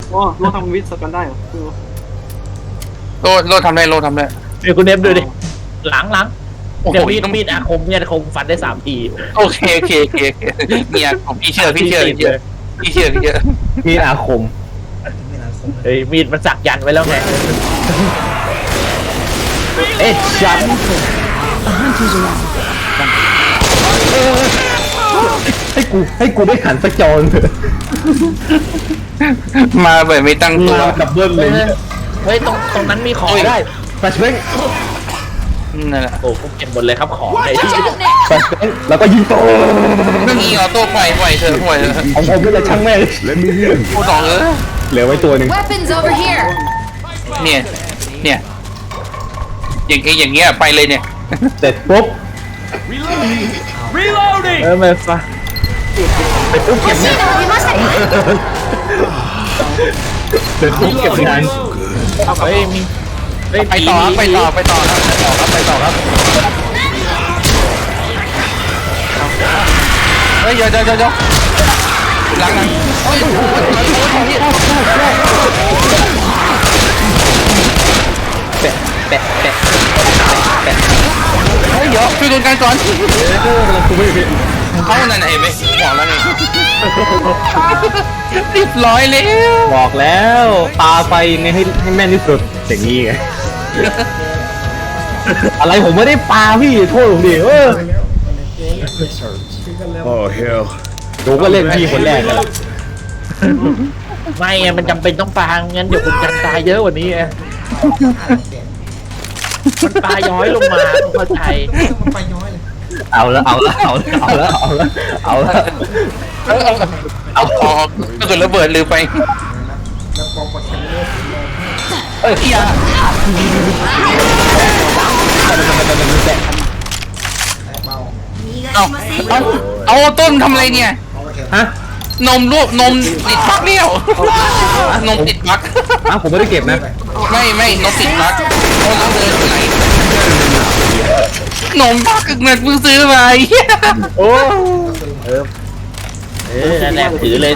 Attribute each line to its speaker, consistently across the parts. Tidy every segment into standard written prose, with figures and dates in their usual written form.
Speaker 1: โอ้โลทำวิทย์สกันได้เหรอ
Speaker 2: โลทำได้
Speaker 3: เดี๋ยวคุณเนฟดูดิหลัง
Speaker 2: โอ้โห
Speaker 3: เดี๋ยวมีดอาคมเนี่ยคงฟันได้3 ที
Speaker 2: โอเคเนี่ยผมพี่เชื่อ
Speaker 4: มีอาคม
Speaker 3: เฮ้ยมีดมันสักยันไว้แล้วไง
Speaker 4: เอ๊ะฉันให้กูได้ขันสักจอนเถอะ
Speaker 2: มาแบบไม่ตั้งตัว
Speaker 4: มาดับเบิ้ลเลย
Speaker 3: เฮ้ยตรงนั้นมีของได้
Speaker 4: แฟชแบง
Speaker 2: นั่นแหละ
Speaker 3: โอ้ผมเก็บหมดเลยครับของไอ้ที่
Speaker 4: แฟชแบงแล้วก็ยิงโต
Speaker 2: ก็งี้ออโต้ปล่อยเธอห่วยเลย
Speaker 4: ของผมนี่แหละช่างแม่ง
Speaker 2: พูดสอง
Speaker 4: เหลือไว้ตัวหนึ่ง
Speaker 5: Weapons over here.
Speaker 2: เนี่ยอย่างเงี้ยไปเลยเนี่ย
Speaker 4: เสร็จปุ๊บ
Speaker 3: ไม่ฟ้า
Speaker 4: ไปปุ๊บเก็บเนี่ย
Speaker 5: 欲しいの見ましたか？
Speaker 4: เสร็จปุ๊บเก็บงาน
Speaker 3: เฮ้ยมีเฮ้ย
Speaker 2: ไปต่อครับเฮ้ยเดี๋ยวหลังโอ้ย
Speaker 4: แปะ
Speaker 2: เฮ้ยเดี๋ยวช่วยโดนกันก่อนเขานั่นเห็นไหมบอกแล้วไง100แล้ว
Speaker 4: บอกแล้วปาไปไงให้แม่นที่สุดอย่างนี้ไงอะไรผมไม่ได้ปาพี่โทษผมดิ
Speaker 6: Oh hell.
Speaker 4: ดูก็เล่นพี่คนแรกกันละ
Speaker 3: ไม่ไงมันจำเป็นต้องปางั้นเดี๋ยวคุณกันตายเยอะกว่านี้ไงมันปาย้อยลงมาต้องเข้าใจ
Speaker 4: เอาละเอา
Speaker 2: ถ้าเกิดระเบิดลืมไปเฮียเอาต้นทำอะไรเนี่ย
Speaker 4: ฮะ
Speaker 2: นมติดปลั๊กเลี้ยวนมติดปลั๊ก
Speaker 4: ผมไม่ได้เก็บนะ
Speaker 2: ไม่นมติดปลั๊กเอาแล้วเดินไปไหนนมปลั๊กเงินเพิ่งซื้อมา
Speaker 4: โอ้
Speaker 3: นั่นแหละถือเลย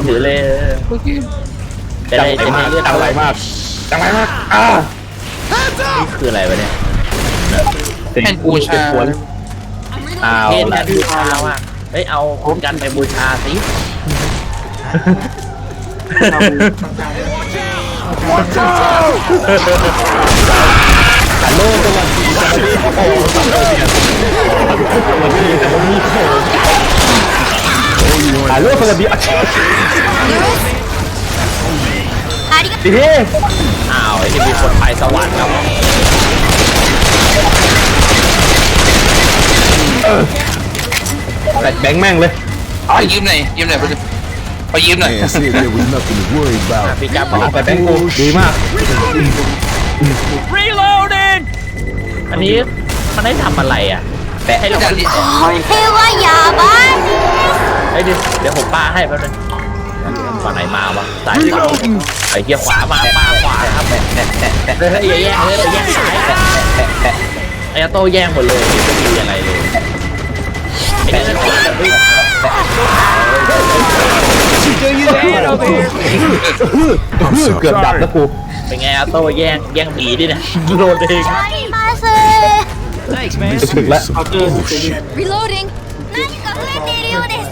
Speaker 3: จะได้เลือด
Speaker 4: จังไรมากนี่คืออะไรวะเนี่ย
Speaker 2: แผ่นบูชา
Speaker 4: เอา
Speaker 3: เทศ
Speaker 4: ละ
Speaker 3: แทนบูชาว่ะเฮ้ยเอาคุณกันไปบูชาสิ
Speaker 4: ฮัลโหลสวัสดีฮัลโหลสวัสดีดี
Speaker 3: อ้าวไอ้ที่มีคนไปสวรรค์ครับ
Speaker 4: แบแบงค์แม่งเลย
Speaker 2: ยืมหน่อยไปยืมหน่อย
Speaker 6: Man said there was nothing to worry about.
Speaker 3: พี่จับบอก
Speaker 4: แบแบงค์กูดีมาก
Speaker 3: อันนี้มันได้ทำอะไรอ่ะให้เรา
Speaker 5: これはやばい。
Speaker 3: เฮ้ยเดี๋ยวผมปาให้แป๊บนึงฝั่งไหนมาวะซ้ายขวาไอ้เหี้ยขวามาปาขวาครับเฮ้ยอย่าแย่งซ้ายไอ้โต้แย่งหมดเลยไม่มีอะไรเลยไอ้นี่ขวาแบบนี้
Speaker 4: เกือบดับแล้วกู
Speaker 3: เป็นไงโต้แย่งหมีดิเนี่ยโดนเอง
Speaker 5: あります。
Speaker 4: จะถึงแล้ว
Speaker 1: เอาเจอ
Speaker 5: Reloading。何か増えているようです。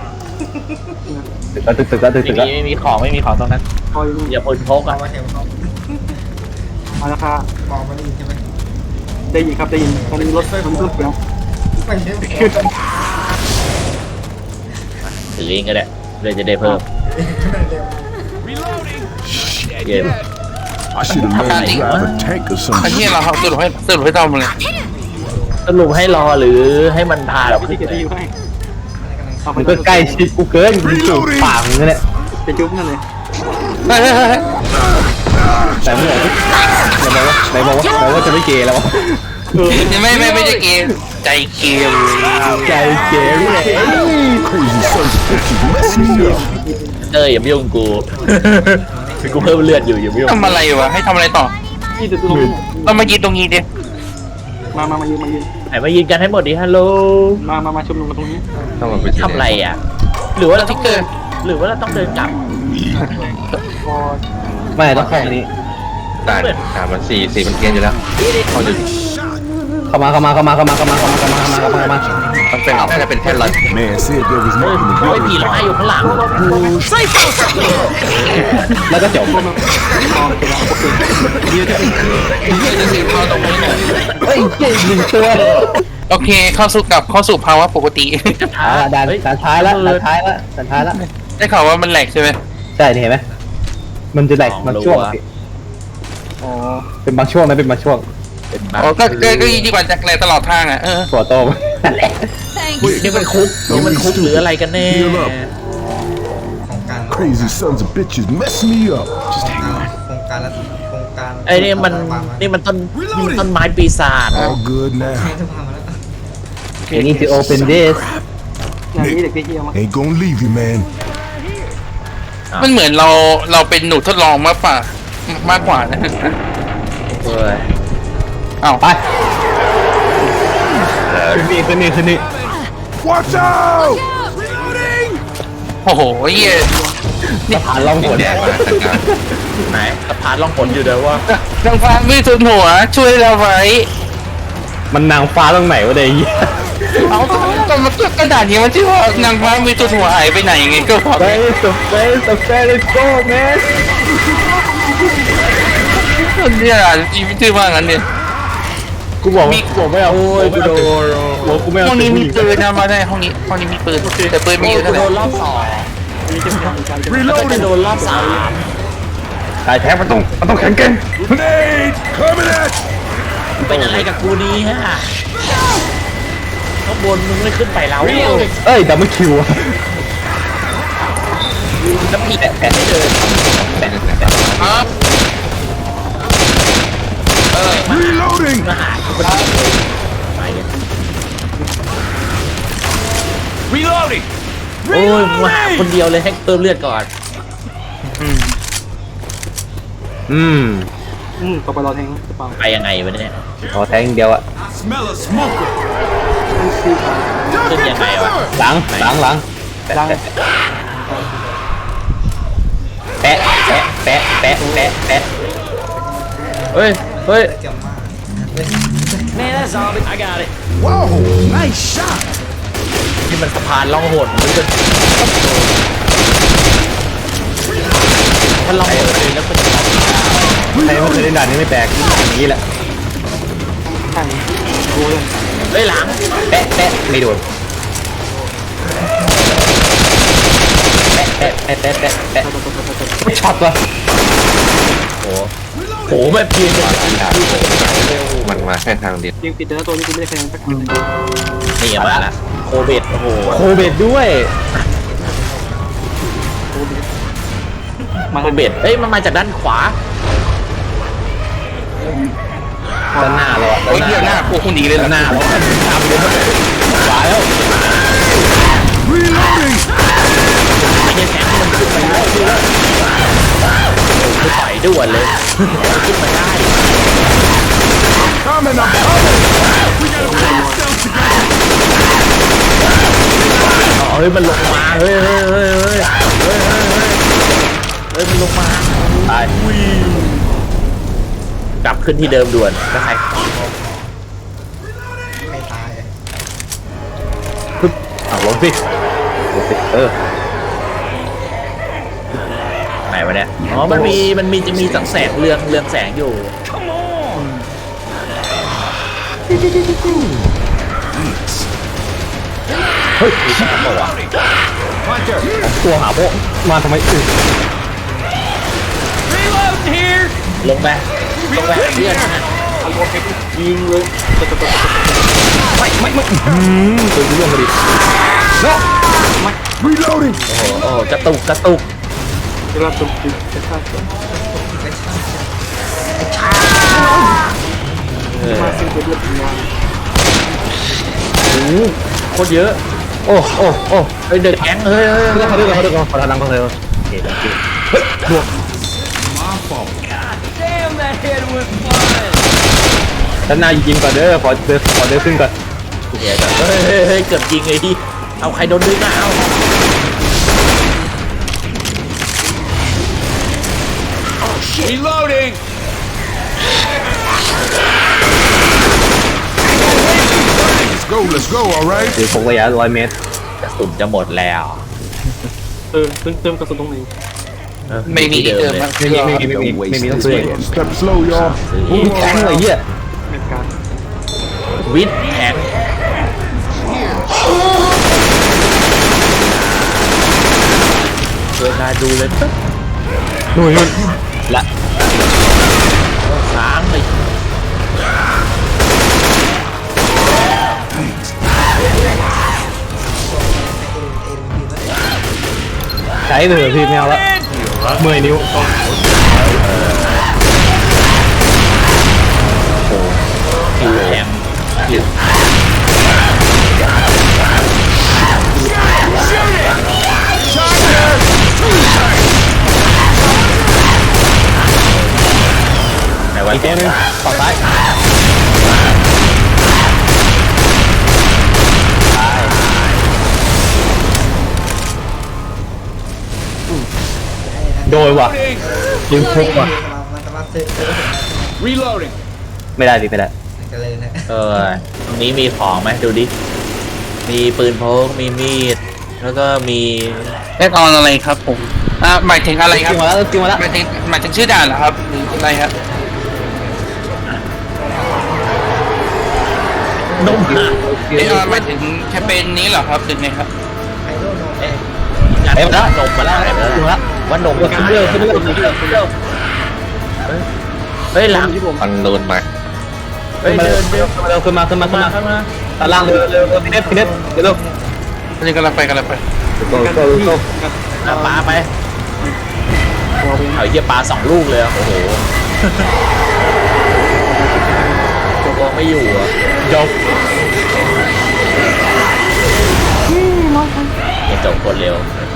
Speaker 4: ตึกแล้ว
Speaker 3: ไม่มีของตรงนั้น
Speaker 1: คอยนู่น
Speaker 3: อย่าพลพกอ่ะ
Speaker 1: มาแล้วค่ะได้ยินครับได้ยินตอนนี้รถมันรถเสียง
Speaker 3: ถือเองก็ได้เลยจะได้เพิ่มเย็น
Speaker 6: I should have learned to drive a tank or
Speaker 2: อัน
Speaker 6: something.
Speaker 2: นี้เราสรุปให้ทำเลย
Speaker 3: สรุปให้รอหรือให้มันพาเรา
Speaker 1: วิธี
Speaker 3: ขึ้น
Speaker 1: จะดีให้เอาไป
Speaker 4: มันก็ใกล้ชิดกูเกินกูจูบปากมึงเนี่ย
Speaker 1: จะจุ๊บนั่นเลย
Speaker 4: แต่เมื่อไหร่ไหนบอกว่าจะไม่เกย์แล้ววะ
Speaker 2: ไม่ใช่เกมใจเกม
Speaker 4: ใจเกย์เลย
Speaker 6: Crazy first pictures messing me up.
Speaker 3: อย่ามายุ่งกูกูเพิ่มเลือดอยู่อย่ามายุ่ง
Speaker 2: ทำอะไรวะให้ทำอะไรต่อ
Speaker 1: ที่จะลง
Speaker 2: เรามายืนตรงนี้ดิ
Speaker 1: มายืน
Speaker 3: ไหนมายืนกันให้หมดดิฮัลโหล
Speaker 1: มาชุมนุมกันตรงนี้
Speaker 3: ทำอะไรอ่ะหรือว่าเราต้องเดินกลับ
Speaker 1: พอ
Speaker 4: ไม่ต้องเข้าอันนี้
Speaker 3: ด่านมันสี่มันเกรียนอยู่แล้วเขาจะ
Speaker 4: เข้ามามันเป็น
Speaker 3: น่าจะเป็นแค่รัน
Speaker 6: Man said there was
Speaker 3: เฮ้ย
Speaker 6: nothing to
Speaker 3: เฮ้ย
Speaker 6: worry
Speaker 3: ผีร้าย
Speaker 6: about.
Speaker 3: อยู่ข้างหลัง
Speaker 4: แล้วก็จบ เฮ้ยเก่งหนึ่งตัว
Speaker 2: โอเคเข้าสู่ภาวะปกติ
Speaker 4: ด่านท้ายแล้วด่านท้ายแล้ว
Speaker 2: ได้ข่าวว่ามันแหลกใช่ไหม
Speaker 4: ใช่เห็นไหมมันจะแหลกบางช่วงเป็นบางช่วงนะเป็นบางช่วง
Speaker 3: เป็นบ้า
Speaker 2: อ๋อก็ดีกว่าจากแหลกตลอดทางอ่ะ
Speaker 4: ตัวโตนั่นแหละ
Speaker 5: Thanks.
Speaker 3: นี่มันคุกหรืออะไรกันแน่
Speaker 6: Heal up.
Speaker 7: โครงการ
Speaker 6: Crazy sons of bitches mess me up. Just hang on.
Speaker 7: โครงการโครงการ
Speaker 3: ไอ้นี่มันต้นไม้ปีศาจ
Speaker 6: All good now.
Speaker 7: ใช้ทุกพังมาแล้ว
Speaker 4: You need to open this
Speaker 1: อย่างนี้เด็กที่เฮียมา
Speaker 6: Ain't gonna leave you, man.
Speaker 2: มันเหมือนเราเป็นหนูทดลองมากกว่านะ
Speaker 3: เฮ้ย
Speaker 2: อ้าว
Speaker 4: ไปขึ้นนี่
Speaker 6: Watch out!
Speaker 2: โอ้โหเหี้ย
Speaker 4: นี่ผ่านล่องหน
Speaker 3: ไหนสะพานล่องหนอยู่เดี๋ยวว่า
Speaker 2: นางฟ้าไม่ทุนหัวช่วยเราไว้
Speaker 4: มันนางฟ้าตรงไหนวะเดี๋ยว
Speaker 2: เอาแต่มันกระดาษนี้มันชื่อว่านางฟ้าไม่ทุนหัวหายไปไหนยังไงก็พอ
Speaker 4: ไปสุดไปlet's go man
Speaker 2: เนี่ยชีวิตชื่อว่างั้นเนี่ย
Speaker 4: กูบอกไม่เอาโอ้ยกูโดนกูไม่เอา
Speaker 2: ห้องนี้มีปืนนะมาได้ห้องนี้มีปืนแต่ปืนมีอยู่เท่าไหร่
Speaker 3: โดนรอบสองโดนรอบสาม
Speaker 4: ตายแท้มันต้องแข็งเก่ง
Speaker 6: Grenade! Coming at you!
Speaker 3: เป็นอะไรกับกูดีฮะข้างบนมึงไม่ขึ้นไปแล้ว
Speaker 4: เอ้ยดับเบิลคิว
Speaker 3: น้ำผีแปะไม่เดิน
Speaker 2: ครับ
Speaker 6: Reloading!
Speaker 3: มาหากูเป็นไปเนี่ย
Speaker 6: Reloading!
Speaker 3: โอ้ยมาหาคนเดียวเลยให้เติมเลือดก่อน
Speaker 1: ต่อไปเราแทงกระเป๋า
Speaker 3: ไปยังไงวะเนี่ย
Speaker 4: ขอแทงเดียวอะ
Speaker 6: Smell a smoker!
Speaker 3: ขึ้นยังไงวะ
Speaker 4: หลัง
Speaker 1: ล้าง
Speaker 4: แปะ
Speaker 3: เฮ้ย
Speaker 7: เกี่ยวมาก
Speaker 6: Whoa! Nice shot!
Speaker 3: นี่มันสะพานล่องหนมันจะถ้าล่องหนเลยแล้วมันจะ
Speaker 4: ใครไม่เคยเล่นด่านนี้ไม่แปลกอย่างนี้แหละ
Speaker 1: ใช่ดูเลย
Speaker 3: เฮ้ยหลัง
Speaker 4: แปะไม่โดนแปะไม่ช็อตวะ
Speaker 3: โหแบบยืนจะ
Speaker 2: มันมาแค่ทางเดียว
Speaker 1: ยิงติดแต่ละตัวนี้กูไม่ได้คะแนนสักอันเลย
Speaker 3: นี่มาละโคเบตโอ้โห
Speaker 4: โคเบดด้วย
Speaker 1: มา
Speaker 3: โคเบตเอ้ยมันมาจากด้านขวา
Speaker 4: ด้านหน้าเรา
Speaker 2: โอ้ยเหี้ยหน้าพวกคุณหนีเลย
Speaker 4: ด้านห
Speaker 2: นะ
Speaker 4: น้าเราตามเลยขวาแล้ว
Speaker 6: Reloading!
Speaker 3: ไม่ใช่แสงมันขึ้นไปแล้วคือต่อยด่วนเลยขึ้นมาได้
Speaker 6: Coming, I'm coming! We gotta pull ourselves together!
Speaker 3: เฮ้ยมันลงมาเฮ้ยมันลงมาตายกลับขึ้นที่เดิมด่วนแล้วใคร
Speaker 7: ไม่ตาย
Speaker 4: ลงสิ
Speaker 3: ไหนวะเนี่ยอ๋อมันจะมีสังแสงเรืองแสงอยู่
Speaker 4: เฮ้ยตัวหาพวกมาทำไมอึ
Speaker 3: ลงไปเพื่อนนะ
Speaker 1: ยิงเลย
Speaker 4: ตัวเรื่องมาดิ
Speaker 6: Reloading!
Speaker 3: โอ้กระตุก
Speaker 1: เวลาตุกติดจะฆ่าตัวมาสิ้นเดือนงาน
Speaker 3: โคตรเยอะ
Speaker 4: โอ้
Speaker 3: เฮ้ยเดือดแก๊งเฮ้ย
Speaker 4: เขาดึงขอทางเขาเลยโอเคโอเคบวกด้านหน้ายิงก่อนเด้อขอเดินขึ้นก่อน
Speaker 3: เดี๋ยวเฮ้ยเกือบยิงไอ้ที่เอาใครโดนดึงอ่ะเอา
Speaker 6: Reloading. Let's go, all right?
Speaker 4: คือพกระยะ100 เมตร
Speaker 3: กระสุนจะหมดแล้ว
Speaker 1: เติมกระสุนตรงไหน
Speaker 2: ไม่มีที่เติมครับ
Speaker 4: ไม่มีต้องซื้อ
Speaker 6: Step slow, y'all.
Speaker 4: อุ้ยแข็งเลยเหี้ย
Speaker 1: ในการ
Speaker 3: วิทแข็งเวลาดูเลยปึ๊บ
Speaker 4: นู่น
Speaker 3: ละค้างเลย
Speaker 4: ใช้ไปเถอะพี่ไม่เอาละเมื่อยนิ้ว
Speaker 3: คิวแข็งคิวไหนวะ
Speaker 4: อีกตัวหนึงฝั่งซ้าย โดยว่ะยิงพุกว่ะ
Speaker 7: มันสามารถซื้อ
Speaker 6: Reloading.
Speaker 4: ไม่ได้ดิไม่ได้
Speaker 7: กันเลยนะ
Speaker 3: ตรงนี้มีของไหมดูดิ มีปืนพกมีมีด แล้วก็มี
Speaker 2: แอดออนอะไรครับผมหมายถึงอะไรครับ
Speaker 4: กินมาแล้วกินมาแล้ว
Speaker 2: หมายถึงชื่อด่านเหรอครับหรืออะไรครับ
Speaker 3: นมหนัก
Speaker 2: แอดออนหมายถึงแคมเปญนี้เหรอครับหรือไงครับ
Speaker 7: ไฮโดรโน
Speaker 3: เอ๊ะนมมาแล้วนมมาแล้ว
Speaker 4: กินมาแล้ว
Speaker 3: ว่านม
Speaker 4: ขึ้นเรื่อยขึ้นเรื่อยขึ้นเรื่อยขึ้นเรื่อย
Speaker 3: เฮ้ยหลัง
Speaker 4: มันโดนมา
Speaker 3: เฮ้ยเดินเดิน
Speaker 4: ขึ้นมาข้างล่างเร็วพี่เน็ตเร็ว
Speaker 2: อันนี้กำลังไป
Speaker 4: โก้
Speaker 3: ปลาไปเอาเยี่ยปลา2 ลูกเลยโอ้โหตัวไม่อยู่อ่ะ
Speaker 4: จบ
Speaker 3: ยังจบคนเร็ว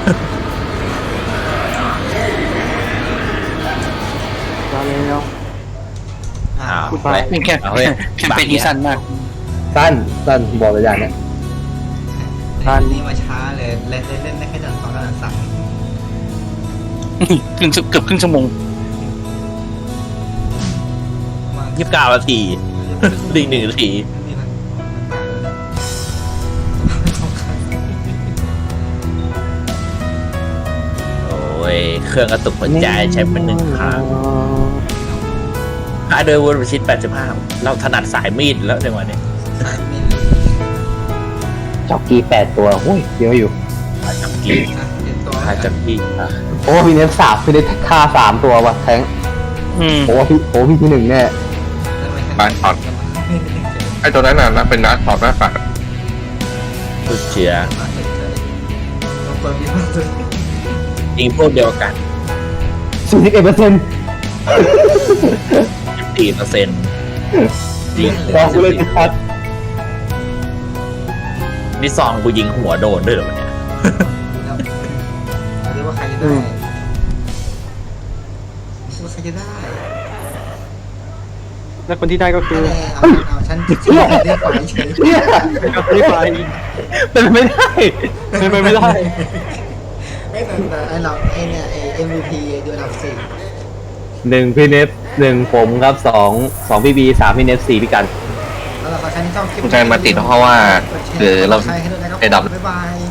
Speaker 1: มาแล้ว
Speaker 3: อ้าว
Speaker 1: พูดไป
Speaker 2: เป็นแคม
Speaker 3: เอาเฮ้ย
Speaker 2: แคมเปญที่สั้นมาก
Speaker 4: สั้นบอกเลยอย่างเนี้ย
Speaker 7: นี่มาช้าเลยเล่นได้แค่ด่าน2กับด่าน3
Speaker 2: เกือบครึ่งชั่วโมง
Speaker 3: 29 นาทีดี1 นาที
Speaker 7: นี่นะ
Speaker 3: โอ้ยเครื่องกระตุกหัวใจใช้เป็น1 ครั้งค่าโดยวนประชิด85เราถนัดสายมีดแล้วในวันนี้
Speaker 7: สายมิล
Speaker 4: จ็อกกี้8 ตัวโอ้ยเยอะอยู่
Speaker 3: จับกี
Speaker 7: นะเห็นตัว
Speaker 3: ค่าจับกี
Speaker 4: โอ้พี่เน็ตพี่เน็ตฆ่า3 ตัวว่ะแทง โอ้พี่ที่ 1แน่
Speaker 1: บ้านถอดไอ้ตัวนั้นน่ะเป็นนัดถอดหน้าปาก
Speaker 3: สุดเชียร์
Speaker 7: ลงตัวมีมากเลย
Speaker 3: ยิงพวกเดียวกัน
Speaker 4: 41%
Speaker 3: 14%ยิง
Speaker 4: บอกกูเลยชัด
Speaker 3: นี่ซองกูยิงหัวโดนด้วยเหรอเนี่ย
Speaker 7: เรียกว่าใครจะได้ว่าใครจะได้
Speaker 1: และคนที่ได้ก็คือ
Speaker 7: เอาฉันเรียกไปเฉย
Speaker 4: เนี่ย
Speaker 1: เป็นคนที่ไป
Speaker 4: เป็นไม่ได้
Speaker 1: เป็นไปไม่ได้
Speaker 7: ไม่แต่ไอ้เราไอ้เนี่ยไอ้ MVP ดูอันดับ
Speaker 4: 1พี่เน็ต1ผมครับ2พี่บี3พี่เน็ต4พี่กัน
Speaker 7: 4แล้วเราก็ใช้ช่องคลิป
Speaker 1: คุณชายมาติดเพราะว่าคือเรา
Speaker 7: ใช้ให้ด้วยนะครับ
Speaker 1: ไอ้ดำ
Speaker 7: บ๊ายบาย